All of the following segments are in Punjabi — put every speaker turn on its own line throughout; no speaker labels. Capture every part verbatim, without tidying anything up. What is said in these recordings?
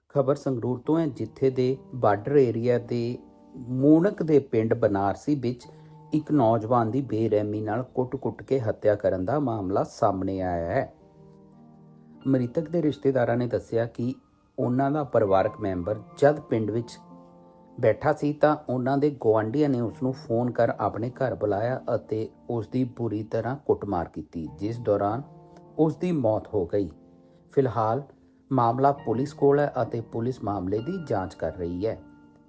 ਖਬਰ ਸੰਗਰੂਰ ਤੋਂ ਹੈ, ਜਿੱਥੇ ਦੇ ਬਾਰਡਰ ਏਰੀਆ ਦੇ ਮੂਣਕ ਦੇ ਪਿੰਡ ਬਨਾਰਸੀ ਵਿੱਚ ਇੱਕ ਨੌਜਵਾਨ ਦੀ ਬੇਰਹਿਮੀ ਨਾਲ ਕੁੱਟ-ਕੁੱਟ ਕੇ ਹੱਤਿਆ ਕਰਨ ਦਾ ਮਾਮਲਾ ਸਾਹਮਣੇ ਆਇਆ ਹੈ। ਮ੍ਰਿਤਕ ਦੇ ਰਿਸ਼ਤੇਦਾਰਾਂ ਨੇ ਦੱਸਿਆ ਕਿ ਉਹਨਾਂ ਦਾ ਪਰਿਵਾਰਕ ਮੈਂਬਰ ਜਦ ਪਿੰਡ ਵਿੱਚ ਬੈਠਾ ਸੀ ਤਾਂ ਉਹਨਾਂ ਦੇ ਗੁਆਂਢੀਆਂ ਨੇ ਉਸ ਨੂੰ ਫੋਨ ਕਰ ਆਪਣੇ ਘਰ ਬੁਲਾਇਆ ਅਤੇ ਉਸ ਦੀ ਬੁਰੀ ਤਰ੍ਹਾਂ ਕੁੱਟਮਾਰ ਕੀਤੀ, ਜਿਸ ਦੌਰਾਨ ਉਸ ਦੀ ਮੌਤ ਹੋ ਗਈ। ਫਿਲਹਾਲ ਮਾਮਲਾ ਪੁਲਿਸ ਕੋਲ ਹੈ ਅਤੇ ਪੁਲਿਸ ਮਾਮਲੇ ਦੀ ਜਾਂਚ ਕਰ ਰਹੀ ਹੈ।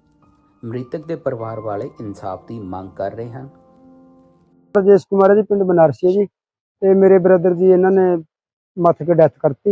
ਮ੍ਰਿਤਕ ਦੇ ਪਰਿਵਾਰ ਵਾਲੇ ਇਨਸਾਫ ਦੀ ਮੰਗ ਕਰ ਰਹੇ ਹਨ।
राजेश कुमार है जी, पिंड बनारसी है जी। ते मेरे ब्रदर जी इन्हों ने मत के डैथ करती।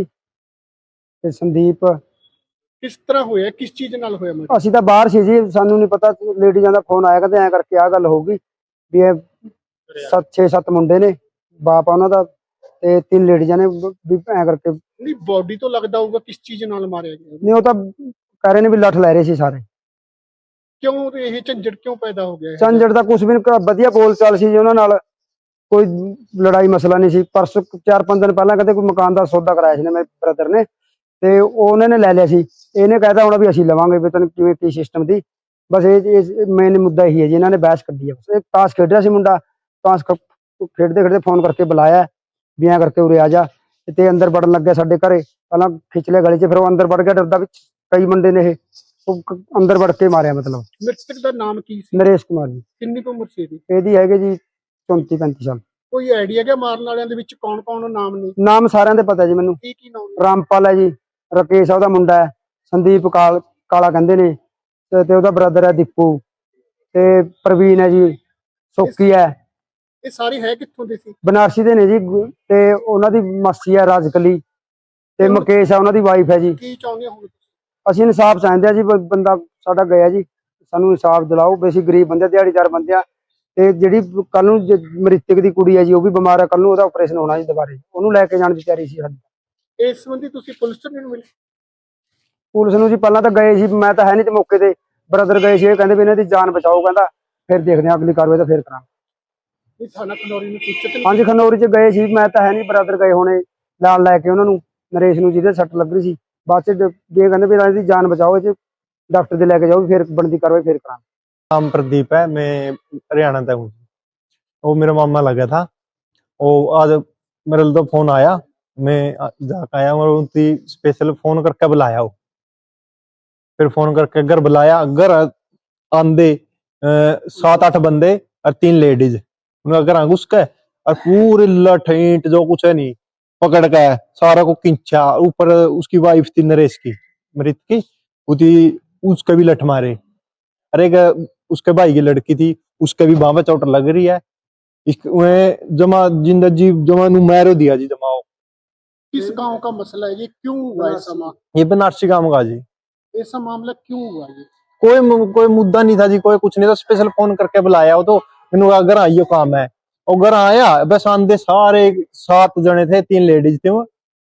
ते संदीप
किस तरह होया, किस चीज नाल होया? मैं
ਅਸੀਂ ਤਾਂ ਬਾਹਰ ਸੀ ਜੀ, ਸਾਨੂੰ ਨਹੀਂ ਪਤਾ ਲੇਡੀਜ਼ਾਂ ਦਾ ਫੋਨ ਆਇਆ ਕਹਿੰਦੇ ਐ ਕਰਕੇ ਆ ਗੱਲ ਹੋਊਗੀ ਵੀ ਇਹ ਸੱਤ ਛੇ ਸੱਤ ਮੁੰਡੇ ਨੇ, ਬਾਪ ਆ ਉਹਨਾਂ ਦਾ ਤੇ ਤਿੰਨ ਲੇਡੀਜ਼ਾਂ ਨੇ ਵੀ ਐ ਕਰਕੇ।
नहीं बॉडी तो लगदा होगा किस चीज नाल मारया गया?
ਨਹੀਂ ਉਹ ਤਾਂ ਕਹਿ ਰਹੇ ਨੇ ਵੀ ਲੱਠ ਲੈ ਰਹੇ ਸੀ ਸਾਰੇ।
क्यों ये झंझट क्यों पैदा हो गया है?
ਝੰਜਟ ਦਾ ਕੁਝ ਵੀ ਨਹੀਂ, ਵਧੀਆ ਬੋਲ ਚਾਲ ਸੀ ਜੀ ਉਹਨਾਂ ਨਾਲ, ਕੋਈ ਲੜਾਈ ਮਸਲਾ ਨਹੀਂ ਸੀ। ਪਰਸੋਂ ਚਾਰ ਪੰਜ ਦਿਨ ਪਹਿਲਾਂ ਕਹਿੰਦੇ ਕੋਈ ਮਕਾਨ ਦਾ ਸੌਦਾ ਕਰਾਇਆ ਸੀ ਨੇ ਮੇਰੇ ਬ੍ਰਦਰ ਨੇ, ਤੇ ਉਹਨਾਂ ਨੇ ਲੈ ਲਿਆ ਸੀ। ਇਹਨੇ ਕਹਿਤਾ ਹੁਣ ਵੀ ਅਸੀਂ ਲਵਾਂਗੇ, ਵੀ ਤੈਨੂੰ ਕਿਵੇਂ ਕੀ ਸਿਸਟਮ ਦੀ। ਬਸ ਇਹ ਮੇਨ ਮੁੱਦਾ ਇਹੀ ਹੈ ਜੀ, ਇਹਨਾਂ ਨੇ ਬਹਿਸ ਕੱਢੀ ਹੈ। ਬਸ ਇਹ ਤਾਸ਼ ਖੇਡ ਰਿਹਾ ਸੀ ਮੁੰਡਾ, ਤਾਸ਼ ਖੇਡਦੇ ਖੇਡਦੇ ਫੋਨ ਕਰਕੇ ਬੁਲਾਇਆ ਵੀ ਐਂ ਕਰਕੇ ਉਰੇ ਆ ਜਾ, ਤੇ ਅੰਦਰ ਵੜਨ ਲੱਗਿਆ ਸਾਡੇ ਘਰੇ। ਪਹਿਲਾਂ ਖਿੱਚ ਲਿਆ ਗਲੀ 'ਚ, ਫਿਰ ਉਹ ਅੰਦਰ ਵੜ ਗਿਆ ਡਰਦਾ, ਵਿੱਚ ਕਈ ਮੁੰਡੇ ਨੇ ਇਹ ਉਹ ਅੰਦਰ ਵੜ ਕੇ ਮਾਰਿਆ। ਮਤਲਬ
मृतक दा नाम की सी?
ਨਰੇਸ਼ ਕੁਮਾਰ ਜੀ।
किन्नी क उम्र सी दी?
ਇਹਦੀ ਹੈਗੇ ਜੀ ਚੌਂਤੀ ਪੈਂਤੀ ਸਾਲ।
कोई आइडिया क्या मारन वालियां दे विच कौन कौन नाम ने?
ਨਾਮ ਸਾਰਿਆਂ ਦੇ ਪਤਾ ਜੀ ਮੈਨੂੰ।
की की नाम ने?
ਰਾਮਪਾਲ ਹੈ ਜੀ, ਰਕੇਸ਼ ਆ ਉਹਦਾ ਮੁੰਡਾ ਹੈ, ਸੰਦੀਪ ਕਾਲ ਕਾਲਾ ਕਹਿੰਦੇ ਨੇ, ਤੇ ਤੇ ਉਹਦਾ ਬ੍ਰਦਰ ਹੈ ਦੀਪੂ, ਤੇ ਪ੍ਰਵੀਨ ਹੈ ਜੀ, ਸੋਕੀ ਹੈ।
ये सारे है कित्थों दे सी?
ਬਨਾਰਸੀ ਦੇ ਨੇ ਜੀ, ਗੁ- ਤੇ ਉਹਨਾਂ ਦੀ ਮਾਸੀ ਹੈ ਰਾਜਕਲੀ, ਤੇ ਮੁਕੇਸ਼ ਆ ਉਹਨਾਂ ਦੀ ਵਾਈਫ ਹੈ ਜੀ।
की चाहुंदे हो?
ਅਸੀਂ ਇਨਸਾਫ ਚਾਹੁੰਦੇ ਆ ਜੀ, ਬ- ਬੰਦਾ ਸਾਡਾ ਗਿਆ ਜੀ, ਸਾਨੂੰ ਇਨਸਾਫ ਦਿਲਾਓ। ਵੀ ਅਸੀਂ ਗਰੀਬ ਬੰਦੇ, ਦਿਹਾੜੀਦਾਰ ਬੰਦੇ ਆ, ਤੇ ਜਿਹੜੀ ਕੱਲ ਨੂੰ ਜ- ਮ੍ਰਿਤਕ ਦੀ ਕੁੜੀ ਹੈ ਜੀ, ਉਹ ਵੀ ਬਿਮਾਰ ਹੈ, ਕੱਲ ਨੂੰ ਉਹਦਾ ਆਪਰੇਸ਼ਨ ਹੋਣਾ ਜੀ ਦੁਬਾਰੇ, ਉਹਨੂੰ ਲੈ ਕੇ ਜਾਣ ਦੀ ਤਿਆਰੀ ਸੀ ਸਾਡੀ।
इस संबंधी तुसी पुलिस च नहीं मिले?
ਪੁਲਿਸ ਨੂੰ ਜੀ ਪਹਿਲਾਂ ਤਾਂ ਗਏ ਸੀ, ਮੈਂ ਤਾਂ ਹੈ ਨਹੀਂ ਤੇ ਮੌਕੇ ਤੇ, ਬ੍ਰਦਰ ਗਏ ਸੀ। ਇਹ ਕਹਿੰਦੇ ਵੀ ਇਹਨਾਂ ਦੀ ਜਾਨ ਬਚਾਓ, ਕਹਿੰਦਾ ਫਿਰ ਦੇਖਦੇ ਆ ਅਗਲੀ ਕਾਰਵਾਈ ਤਾਂ ਫਿਰ ਕਰਾਂਗੇ।
ये थाना खनौरी में सूचित नहीं?
ਹਾਂਜੀ ਖਨੌਰੀ ਚ ਗਏ ਸੀ, ਮੈਂ ਤਾਂ ਹੈ ਨਹੀਂ, ਬ੍ਰਦਰ ਗਏ ਹੋਣੇ ਨਾਲ ਲੈ ਕੇ ਉਹਨਾਂ ਨੂੰ, ਨਰੇਸ਼ ਨੂੰ ਜਿਹਦੇ ਸੱਟ ਲੱਗ ਰਹੀ ਸੀ। ਬਾਅਦ ਚ ਡ- ਵੀ ਇਹ ਕਹਿੰਦੇ ਵੀ ਇਹਨਾਂ ਦੀ ਜਾਨ ਬਚਾਓ, ਇਹ 'ਚ ਡਾਕਟਰ ਦੇ ਲੈ ਕੇ ਜਾਓ, ਫਿਰ ਬਣਦੀ ਕਾਰਵਾਈ ਫਿਰ ਕਰਾਂਗੇ।
नाम प्रदीप है, मैं हरियाणा का हूँ। वो मेरा मामा लगा था, वो आज मेरे तो फोन आया, मैं जाकर आया और उनकी स्पेशल फोन करके बुलाया। वो फिर फोन करके घर बुलाया, घर आंदे सात आठ बंदे और तीन लेडीज, उन्हें घर घुस के और पूरे लठ ईंट जो कुछ है नहीं पकड़ के सारा को खींचा। ऊपर उसकी वाइफ थी नरेश की, मृत की, उसी उसके भी लठ मारे। अरे उसके भाई की लड़की थी, उसके भी बाह में चोट लग रही है। इसमें जमा जिंदा जी जमा नु मारो दिया जी जमाओ।
किस गांव का मसला है ये? क्यों हुआ ऐसा मामला?
ये बनारसी काम का जी,
ऐसा मामला क्यों हुआ ये?
कोई मु- कोई मुद्दा नहीं था जी, कोई कुछ नहीं था। स्पेशल फोन करके बुलाया वो, तो मैंने कहा घर आइयो काम है, और घर आया। बस आंदे सारे सात जने थे, तीन लेडीज थे। वो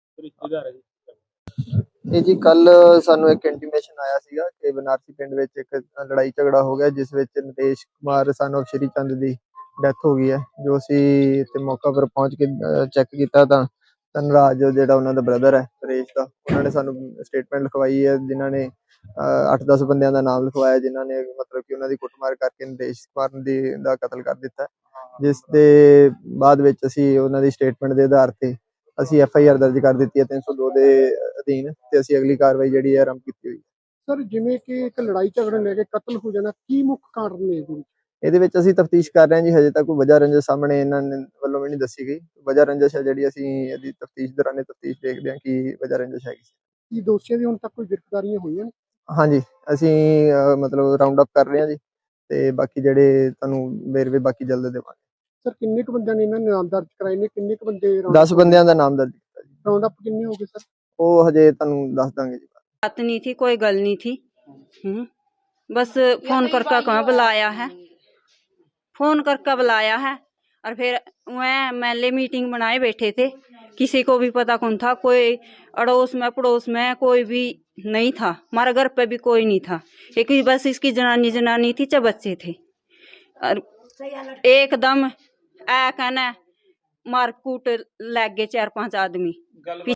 ਇਹ ਜੀ ਕੱਲ ਸਾਨੂੰ ਇੱਕ ਇੰਟੀਮੇਸ਼ਨ ਆਇਆ ਸੀਗਾ ਕਿ ਬਨਾਰਸੀ ਪਿੰਡ ਵਿੱਚ ਇੱਕ ਲੜਾਈ ਝਗੜਾ ਹੋ ਗਿਆ, ਜਿਸ ਵਿੱਚ ਨਿਤੇਸ਼ ਕੁਮਾਰ ਸਨ ਆਫ ਸ਼੍ਰੀ ਚੰਦ ਦੀ ਡੈਥ ਹੋ ਗਈ ਹੈ। ਜੋ ਅਸੀਂ ਇੱਥੇ ਮੌਕਾ ਪਰ ਪਹੁੰਚ ਕੇ ਚੈੱਕ ਕੀਤਾ ਤਾਂ ਧਨਰਾਜ ਜਿਹੜਾ ਉਹਨਾਂ ਦਾ ਬ੍ਰਦਰ ਹੈ ਨਰੇਸ਼ ਦਾ, ਉਹਨਾਂ ਨੇ ਸਾਨੂੰ ਸਟੇਟਮੈਂਟ ਲਿਖਵਾਈ ਹੈ, ਜਿਨ੍ਹਾਂ ਨੇ ਅੱਠ ਦਸ ਬੰਦਿਆਂ ਦਾ ਨਾਮ ਲਿਖਵਾਇਆ, ਜਿਨ੍ਹਾਂ ਨੇ ਮਤਲਬ ਕਿ ਉਹਨਾਂ ਦੀ ਕੁੱਟਮਾਰ ਕਰਕੇ ਨਿਤੇਸ਼ ਕੁਮਾਰ ਦੀ ਦਾ ਕਤਲ ਕਰ ਦਿੱਤਾ। ਜਿਸ ਦੇ ਬਾਅਦ ਵਿੱਚ ਅਸੀਂ ਉਹਨਾਂ ਦੀ ਸਟੇਟਮੈਂਟ ਦੇ ਆਧਾਰ ਤੇ ਅਸੀਂ ਐਫ ਆਈ ਆਰ ਦਰਜ ਕਰ ਦਿੱਤੀ ਹੈ ਤਿੰਨ ਸੌ ਦੋ ਦੇ ਅਧੀਨ, ਤੇ ਅਸੀਂ ਅਗਲੀ ਕਾਰਵਾਈ ਜਿਹੜੀ ਹੈ ਆਰੰਭ ਕੀਤੀ ਹੋਈ ਹੈ।
ਸਰ ਜਿਵੇਂ ਕਿ ਇੱਕ ਲੜਾਈ ਝਗੜੇ ਲੈ ਕੇ ਕਤਲ ਹੋ ਜਾਣਾ, ਕੀ ਮੁੱਖ ਕਾਰਨ ਨੇ ਇਹਦੇ ਵਿੱਚ?
ਇਹਦੇ ਵਿੱਚ ਅਸੀਂ ਤਫਤੀਸ਼ ਕਰ ਰਹੇ ਹਾਂ ਜੀ, ਹਜੇ ਤੱਕ ਕੋਈ ਵਜ੍ਹਾ ਰੰਜਿਸ਼ ਸਾਹਮਣੇ ਇਹਨਾਂ ਨੇ ਵੱਲੋਂ ਵੀ ਨਹੀਂ ਦੱਸੀ ਗਈ। ਵਜ੍ਹਾ ਰੰਜਿਸ਼ ਹੈ ਜਿਹੜੀ ਅਸੀਂ ਇਹਦੀ ਤਫਤੀਸ਼ ਦੌਰਾਨ ਤਫਤੀਸ਼ ਦੇਖਦੇ ਹਾਂ ਕਿ ਵਜ੍ਹਾ ਰੰਜਿਸ਼ ਹੈਗੀ।
ਕੀ ਦੋਸ਼ੀਆਂ ਦੀ ਹੁਣ ਤੱਕ ਕੋਈ ਗ੍ਰਿਫਤਾਰੀਆਂ ਹੋਈਆਂ ਨੇ?
ਹਾਂਜੀ, ਅਸੀਂ ਅਹ, ਮਤਲਬ ਰਾਉਂਡ ਅਪ ਕਰ ਰਹੇ ਹਾਂ ਜੀ, ਤੇ ਬਾਕੀ ਜਿਹੜੇ ਤੁਹਾਨੂੰ ਵੇਰਵੇ ਬਾਕੀ ਜਲਦ ਦੇਵਾਂਗੇ।
ਸਰ ਕਿੰਨੇ ਕੁ ਬੰਦਿਆਂ ਨੇ ਇਹਨਾਂ ਨੇ ਨਾਮ ਦਰਜ ਕਰਾਏ ਨੇ? ਕਿੰਨੇ ਕੁ ਬੰਦੇ
ਦਸ ਬੰਦਿਆਂ ਦਾ ਨਾਮ ਦਰਜ ਕੀਤਾ ਜੀ।
ਰਾਉਂਡ ਅਪ ਕਿੰਨੇ ਹੋ ਗਏ ਸਰ?
ਉਹ ਹਜੇ ਤੁਹਾਨੂੰ ਦੱਸ ਦਾਂਗੇ ਜੀ।
बात नहीं थी, कोई गल नहीं थी। हम्म, बस फोन करके कहाँ बुलाया है, फोन करके बुलाया है, और फिर वह महल्ले मीटिंग बनाए बैठे थे। किसी को भी पता कौन था, कोई अड़ोस में पड़ोस में कोई भी नहीं था, हमारे घर पे भी कोई नहीं था। एक ही बस इसकी जनानी जनानी थी, चाहे बच्चे थे, और एकदम ऐ कहना मारकूट लग गए चार पांच आदमी।